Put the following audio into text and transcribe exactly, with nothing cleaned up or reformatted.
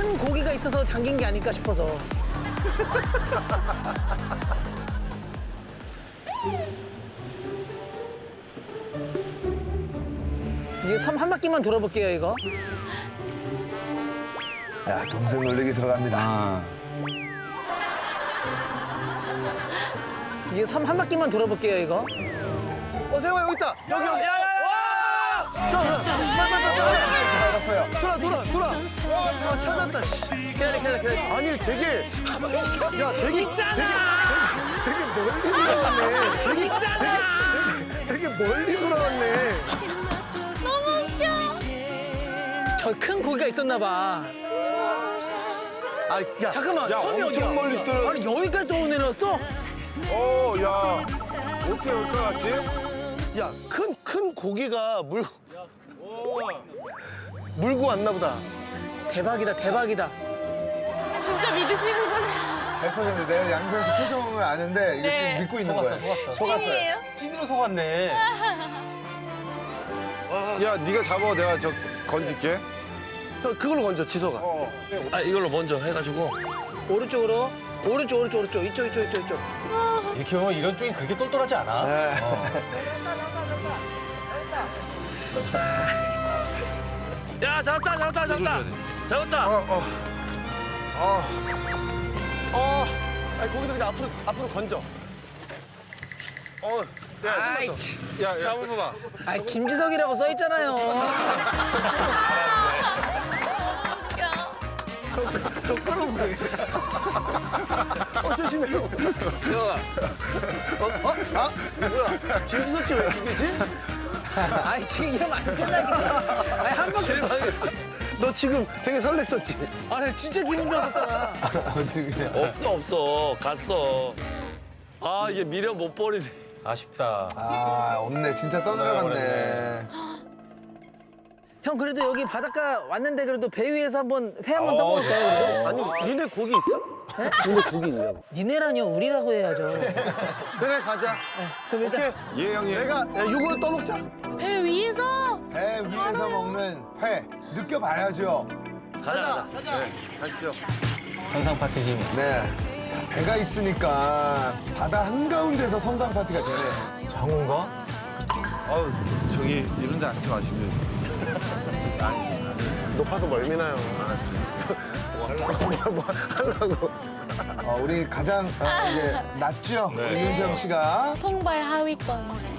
큰 고기가 있어서 잠긴 게 아닐까 싶어서. 이거 섬 한 바퀴만 돌아볼게요, 이거. 야, 동생 놀리기 들어갑니다. 아. 이거 섬 한 바퀴만 돌아볼게요, 이거. 어, 세영아 여기 있다. 여기 여기. 알았어요. 돌아 돌아 돌아. 와, 찾았다. 기다려, 기다려, 기다려. 아니 되게 야 되게 있잖아! 되게 멀리 돌아왔네. 되게 있잖아! 되게 멀리 돌아왔네. 너무 웃겨. 저 큰 고기가 있었나 봐. 아, 야, 잠깐만, 야, 섬이 엄청 어디야? 멀리 떨어- 아니, 여기까지 떠내렸어? 어, 야. 어떻게 올 것 같지? 야, 큰 큰 고기가 물 물고 왔나 보다. 대박이다, 대박이다. 진짜 믿으시는구나. 백 퍼센트 내가 양선 씨 표정을 아는데 이거 네. 지금 믿고 있는 속았어, 거예요. 속았어. 속았어요. 찐이에요? 찐으로 속았네. 야, 네가 잡아. 내가 저 건질게. 형, 그걸로 건져 지소가. 아 이걸로 먼저 해가지고 오른쪽으로. 오른쪽, 오른쪽, 오른쪽. 이쪽, 이쪽, 이쪽, 이쪽. 이렇게 보면 이런 쪽이 그렇게 똘똘하지 않아. 네. 야 잡았다 잡았다 잡았다 잡았다 어, 어. 어. 어, 아니 고기도 그냥 앞으로 앞으로 건져. 어. 아이, 야, 야, 한번 봐봐. 아이, 김지석이라고 써있잖아요. 웃겨. 저 끌어보래. 어, 조심해요. 야 어? 아, 뭐야? 김수석이 왜 죽이지? 아이, 지금 이러면 안 된다니까. 아이, 한 바퀴. 실망했어 너 지금 되게 설렜었지? 아니, 진짜 기분 좋았었잖아. 없어 없어 갔어 아 이게 미련 못 버리네 아쉽다. 아, 없네. 진짜 떠내려갔네. 형, 그래도 여기 바닷가 왔는데 그래도 배 위에서 한번 회 한번 어, 떠먹을까요, 그래도? 아니, 니네 고기 있어? 니네 고기 있냐고. 니네라니요, 우리라고 해야죠. 그래, 가자. 그럼 일단. 오케이. 예, 형님. 내가 야, 이걸로 떠먹자. 배 위에서. 배 위에서 먹는 회. 느껴봐야죠. 가자 가자 가시죠. 선상 파티지. 네. 배가 있으니까 바다 한가운데서 선상 파티가 되네. 장훈가? 아우, 저기 이런 데 앉지 마시고요. 높아서 멀미나요. 뭐 하려고. 뭐 하려고. 어, 우리 가장 어, 이제 낫죠? 우리 윤정 씨가. 통발 하위권.